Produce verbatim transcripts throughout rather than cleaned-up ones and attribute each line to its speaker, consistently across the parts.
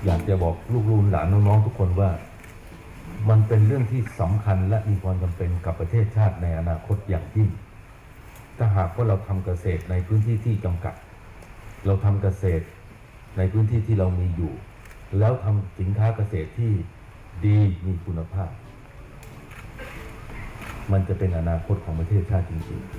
Speaker 1: อยากจะบอกลูกๆหลานน้องๆทุกคนว่ามันเป็นเรื่องที่สำคัญและมีความจำเป็นกับประเทศชาติในอนาคตอย่างยิ่งถ้าหากว่าเราทำเกษตรในพื้นที่ที่จำกัดเราทำเกษตรในพื้นที่ที่เรามีอยู่แล้วทำสินค้าเกษตรที่ดีมีคุณภาพมันจะเป็นอนาคตของประเทศชาติจริงๆ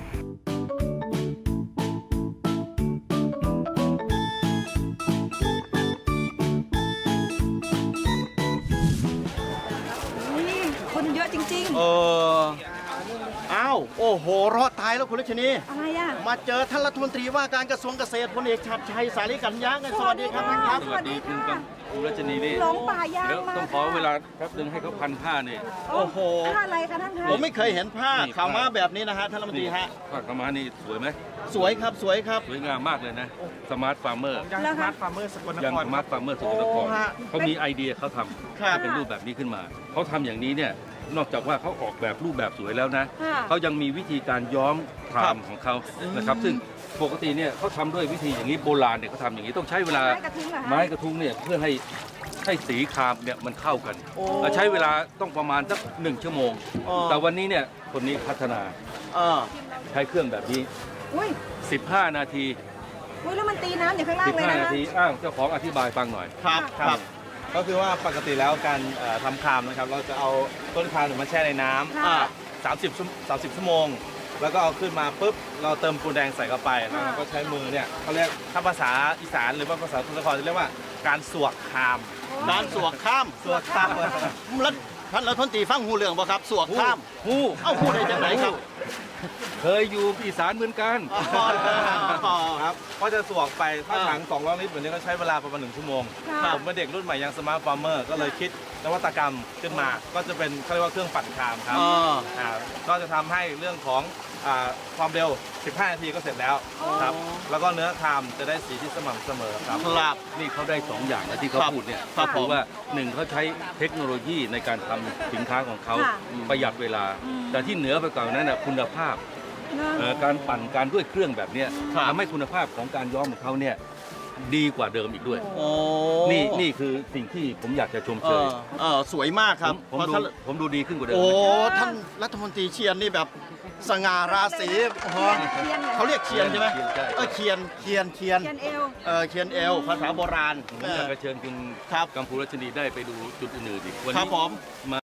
Speaker 2: คนเยอะจริงๆ
Speaker 3: เอออ้าวโอ้โหรอดตายแล้วคุณรัชนี
Speaker 2: อะไรอ่ะ
Speaker 3: มาเจอท่านรัฐมนตรีว่าการกระทรวงเกษตรพลเอกชัดชัยสาลีกัญญาไงสวัสดีครับท่านครับ
Speaker 2: สวัสดีค่ะ
Speaker 4: คุณรัชนีนี่
Speaker 2: หลงป่ายาง
Speaker 4: เดี๋ยว
Speaker 2: มา
Speaker 4: ต้องขอเวลาแป๊บนึงให้เขาพันผ้านี่
Speaker 3: โอ้โห
Speaker 2: ผ้าอะไรคะท่านคะ
Speaker 3: ผมไม่เคยเห็นผ้าขาวม้าแบบนี้นะฮะท่านรัฐมนตรีฮะ
Speaker 4: ผ้ากำมานี่สวยไหม
Speaker 3: สวยครับสวยครับ
Speaker 4: สวยงามมากเลยนะสมาร์ทฟาร์มเมอร์
Speaker 2: แล้วคะ
Speaker 3: ฟาร์มเมอร์สกลน
Speaker 4: ยัง
Speaker 3: คร
Speaker 4: สมาร์ทฟาร์มเมอร์สกลนคร
Speaker 3: โอ้ฮะ
Speaker 4: เขามีไอเดียเขาท
Speaker 3: ครับ
Speaker 4: ำเป็นรูปแบบนี้ขึ้นมาเขาทำอย่างนี้เนี่ยนอกจากว่าเขาออกแบบรูปแบบสวยแล้วนะ
Speaker 2: ค่ะ
Speaker 4: เขายังมีวิธีการย้อมครามของเขานะครับซึ่งปกติเนี่ยเขาทำด้วยวิธีอย่างนี้โบราณเนี่ยเขาทำอย่างนี้ต้องใช้เวลา
Speaker 2: ไม้กระทุ้งเหรอคะ
Speaker 4: ไม้กระทุ้งเนี่ยเพื่อให้ให้สีครามเนี่ยมันเข้ากัน
Speaker 3: โอ้
Speaker 4: ใช้เวลาต้องประมาณสักหนึ่งชั่วโมง
Speaker 3: อ๋อ
Speaker 4: แต่วันนี้เนี่ยคนนี้พัฒนา
Speaker 3: เออ
Speaker 4: ใช้เครื่องแบบนี้
Speaker 2: อุ้ย
Speaker 4: สิบห้า นาที
Speaker 2: อุ้ยแล้วมันตีน้ำอยู่ข้างล่างเลย
Speaker 4: สิบห้า
Speaker 2: นะ
Speaker 4: นา
Speaker 2: คะ
Speaker 4: ทีอ้าวเจ้าของอธิบายฟังหน่อย
Speaker 3: ครับครับ
Speaker 5: ก็คือว่าปกติแล้วการเอ่อทำครามนะครับเราจะเอาต้นครามเนี่ยมาแช่ในน้
Speaker 2: ค่ะ
Speaker 5: ำสามสิบชั่วสามสิบชั่วโมง แล้วก็เอาขึ้นมาปุ๊บเราเติมปูนแดงใส่เข้าไปแล้วเราก็ใช้มือเนี่ยเขาเรียกถ้าภาษาอีสานหรือว่าภาษาทุนครจะเรียกว่าการสวกคราม
Speaker 3: การสวกข้าม
Speaker 5: สวกข้าม
Speaker 3: แล้วท่านรัฐมนตรีฟังหูเรื่องบ่ครับสวกข้าม
Speaker 4: ฮู้
Speaker 3: เอ้าหูได้จังไหนครับ
Speaker 4: เคยอยู่อีสานเหมือนกัน
Speaker 3: อ๋ออ๋อ
Speaker 5: ครับก็จะสวกไปถ้า
Speaker 3: อ่า
Speaker 5: ถังสองร้อยลิตรแบบนี้ก็ใช้เวลาประมาณหนึ่งชั่วโมง
Speaker 2: ค่ะ
Speaker 5: ผมเป็นเด็กรุ่นใหม่ยังสมาร์ทฟาร์มเมอร์ก็เลยคิดนวัตกรรมขึ้นมา ก็จะเป็นเขาเรียกว่าเครื่องปั่นครามครับ
Speaker 3: อ๋อ
Speaker 5: อ่าก็จะทำให้เรื่องของอ่าความเร็ว สิบห้า นาทีก็เสร็จแล้วครับ แล้วก็เนื้อครามจะได้สีที่สม่ำเสมอครับ
Speaker 3: ครับ
Speaker 4: นี่เขาได้สองอย่างนะที่เขา
Speaker 3: ครับ
Speaker 4: พูดเนี่ย
Speaker 3: ครับ
Speaker 4: คือว่าหนึ่งเขาใช้เทคโนโลยีในการทำสินค้าของเขา
Speaker 2: ค่ะ
Speaker 4: ประหยัดเวลา
Speaker 2: อืม
Speaker 4: แต่ที่เหนือไปกว่านั้นนะคุณภาพ
Speaker 2: เนอะ
Speaker 4: เอ่อการปั่นการด้วยเครื่องแบบเนี้ย
Speaker 3: ครับ
Speaker 4: ทำให้คุณภาพของการย้อมของเขาเนี่ยดีกว่าเดิมอีกด้วย
Speaker 3: โอ้
Speaker 4: นี่นี่คือสิ่งที่ผมอยากจะชม
Speaker 3: เอ
Speaker 4: เชย
Speaker 3: อเออสวยมากครับ
Speaker 4: ผมผม
Speaker 3: เพราะ
Speaker 4: ดู
Speaker 3: ท่าน
Speaker 4: ผมดูดีขึ้นกว่าเดิม
Speaker 3: โอ้
Speaker 4: นะ
Speaker 3: ท่านรัฐมนตรีเชียนนี่แบบสง่าราศีโอ้โห
Speaker 2: เทียนหรอ
Speaker 3: เขาเรียกเชียนใช่ไหม
Speaker 4: เชียนใช่
Speaker 3: เออเคียนเคียนเคียน
Speaker 2: เทียนเอว
Speaker 3: เออเคียนเอลภาษาโบราณ
Speaker 4: ผมอยากจะเชิญคุณ
Speaker 3: ครับ
Speaker 4: กัมพูรัชนีได้ไปดูจุดอื่นๆอีกวัน
Speaker 3: ครั
Speaker 4: นี้
Speaker 3: บผม
Speaker 4: มา